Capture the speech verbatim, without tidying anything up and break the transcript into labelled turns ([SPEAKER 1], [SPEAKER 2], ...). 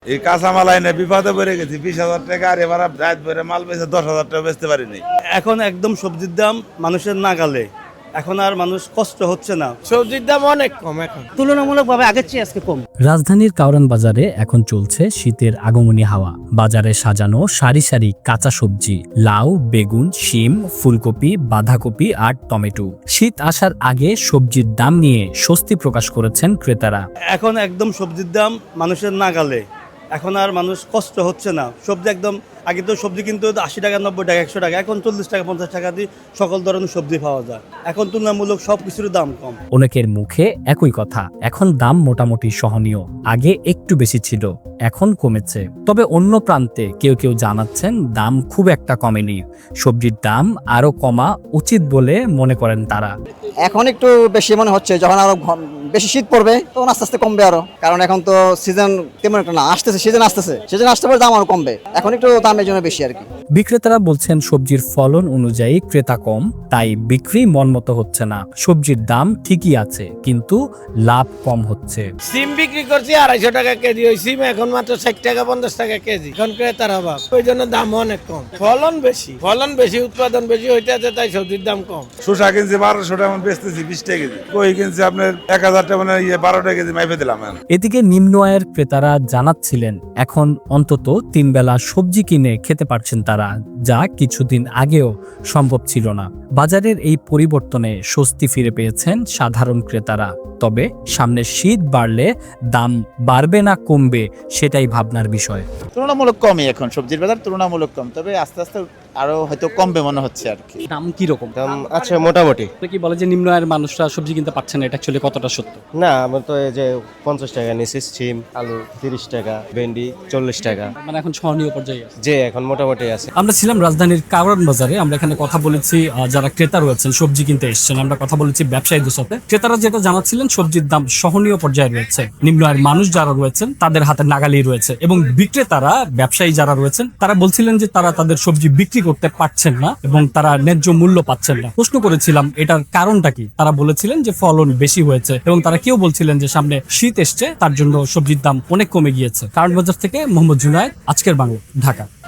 [SPEAKER 1] এই কাঁচামাল আইনে বিপদে পড়ে গেছি। বিশ হাজার টাকা আর এবার রাত ভরে মাল বেচে দশ হাজার টাকা বেচতে পারিনি।
[SPEAKER 2] এখন একদম সবজির দাম মানুষের নাগালে, এখন আর মানুষ কষ্ট হচ্ছে না।
[SPEAKER 3] সবজির দাম অনেক কম, এখন
[SPEAKER 2] তুলনামূলকভাবে আগের চেয়ে আজকে কম।
[SPEAKER 4] রাজধানীর কাউরান বাজারে এখন চলছে শীতের আগমনী হাওয়া। বাজারে সাজানো সারি সারি কাঁচা সবজি, লাউ, বেগুন, শিম, ফুলকপি, বাঁধাকপি আর টমেটো। শীত আসার আগে সবজির দাম নিয়ে স্বস্তি প্রকাশ করেছেন ক্রেতারা।
[SPEAKER 2] এখন একদম সবজির দাম মানুষের নাগালে, এখন আর মানুষ কষ্ট হচ্ছে না। সবজি একদম, আগে তো সবজি কিন্তু আশি টাকা, নব্বই টাকা, একশো টাকা, এখন চল্লিশ টাকা, পঞ্চাশ টাকা দিয়ে সকল ধরনের সবজি পাওয়া যায়। এখন তুলনামূলক সব কিছুর দাম কম।
[SPEAKER 4] অনেকের মুখে একই কথা, এখন দাম মোটামুটি সহনীয়। আগে একটু বেশি ছিল, এখন কমেছে। তবে অন্য প্রান্তে কেউ কেউ জানাচ্ছেন দাম খুব একটা কমেনি, সবজির দাম আরো কমা উচিত বলে মনে করেন তারা।
[SPEAKER 5] এখন একটু বেশি মনে হচ্ছে, যখন আরো বেশি শীত পড়বে তখন আস্তে আস্তে কমবে আরো, কারণ এখন তো সিজন তেমন একটা না, আসতেছে সিজন আসতেছে সিজন আসতে পারে দাম আরো কমবে। এখন একটু দামের জন্য বেশি আর কি।
[SPEAKER 4] বিক্রেতারা বলছেন সবজির ফলন অনুযায়ী ক্রেতা কম, তাই বিক্রি মনমতো হচ্ছে না। সবজির দাম ঠিকই আছে, কিন্তু লাভ কম হচ্ছে।
[SPEAKER 3] সিম বিক্রি করছি আড়াইশো টাকা কেজি, ওই সিম এখন মাত্র ষাট টাকা পঞ্চাশ টাকা কেজি। এখন ক্রেতার অভাব, ওই জন্য দাম অনেক কম। ফলন বেশি, ফলন বেশি, উৎপাদন বেশি হইতে আছে, তাই সবজির দাম কম।
[SPEAKER 1] শসা কিনছি বারোশো টাকা, বেচতেছি বিশ টাকা কেজি। কই কিনছি আপনার এক হাজার টাকা, মানে ইয়ে বারো টাকা কেজি মাইপে দিলাম।
[SPEAKER 4] এদিকে নিম্ন আয়ের ক্রেতারা জানাচ্ছিলেন এখন অন্তত তিন বেলা সবজি কিনে খেতে পারছেন তারা, যা কিছুদিন আগেও সম্ভব ছিল না। বাজারের এই পরিবর্তনে স্বস্তি ফিরে পেয়েছেন সাধারণ ক্রেতারা। তবে সামনে শীত বাড়লে দাম বাড়বে না কমবে, সেটাই ভাবনার বিষয়।
[SPEAKER 6] তুলনামূলক কমই এখন সবজির বাজার, তুলনামূলক কম, তবে আস্তে আস্তে আরো হয়তো কমবে মনে হচ্ছে আর কি।
[SPEAKER 7] দাম কি রকম?
[SPEAKER 8] দাম আছে মোটামুটি।
[SPEAKER 7] কি বলে যে নিম্ন আয়ের মানুষরা সবজি কিনতে পারছে না, এটা অ্যাকচুয়ালি কতটা সত্য?
[SPEAKER 8] না, আমার তো এই যে পঞ্চাশ টাকা নিচে সিম, আলু তিরিশ টাকা, ভেন্ডি চল্লিশ টাকা,
[SPEAKER 7] মানে এখন সহনীয় পর্যায়ে আছে।
[SPEAKER 8] যে এখন মোটামুটি আছে।
[SPEAKER 7] আমরা ছিলাম রাজধানীর কাউরান বাজারে, আমরা এখানে কথা বলেছি আহ, যারা ক্রেতা রয়েছেন সবজি কিনতে এসেছেন, আমরা কথা বলেছি ব্যবসায়ীদের সাথে। ক্রেতারা যেটা জানাচ্ছিলেন সবজির দাম সহনীয় পর্যায়ে রয়েছে, নিম্ন আয়ের মানুষ যারা রয়েছেন তাদের হাতে নাগালেই রয়েছে, এবং বিক্রেতারা ব্যবসায়ী যারা রয়েছেন তারা বলছিলেন যে তারা তাদের সবজি বিক্রি করতে পারছেন না এবং তারা ন্যায্য মূল্য পাচ্ছেন না। প্রশ্ন করেছিলাম এটার কারণটা কি, তারা বলেছিলেন যে ফলন বেশি হয়েছে, এবং তারা কেউ বলছিলেন যে সামনে শীত এসছে, তার জন্য সবজির দাম অনেক কমে গিয়েছে। কারণ বাজার থেকে মোহাম্মদ জুনায়েদ, আজকের বাংলা, ঢাকা।